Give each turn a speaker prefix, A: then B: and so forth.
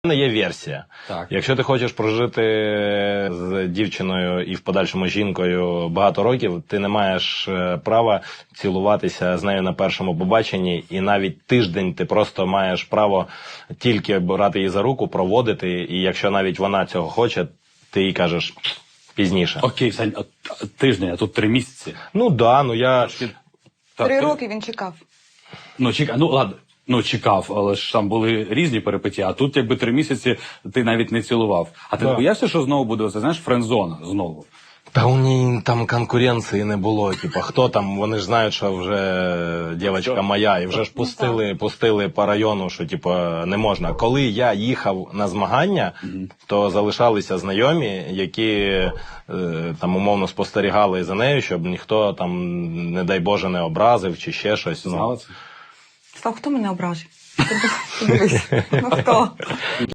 A: мене є версія.
B: Так.
A: Якщо ти хочеш прожити з дівчиною і в подальшому жінкою багато років, ти не маєш права цілуватися з нею на першому побаченні, і навіть тиждень ти просто маєш право тільки брати її за руку, проводити, і якщо навіть вона цього хоче, ти їй кажеш пізніше.
B: Окей, Сань, тиждень, а тут 3 місяці.
A: Ну да, ну я...
C: 3 роки він чекав.
B: Ну ладно. Ну, чекав, але ж там були різні перипетії, а тут якби 3 місяці ти навіть не цілував. А ти боявся, що знову буде, знаєш, френдзона знову?
A: Та у ній там конкуренції не було. Типа, хто там, вони ж знають, що вже дівчинка моя, і вже ж пустили по району, що типа не можна. Коли я їхав на змагання, то залишалися знайомі, які там умовно спостерігали за нею, щоб ніхто там, не дай Боже, не образив чи ще щось.
B: Знала це?
C: Слав, хто мене ображив? Подивись, ну хто?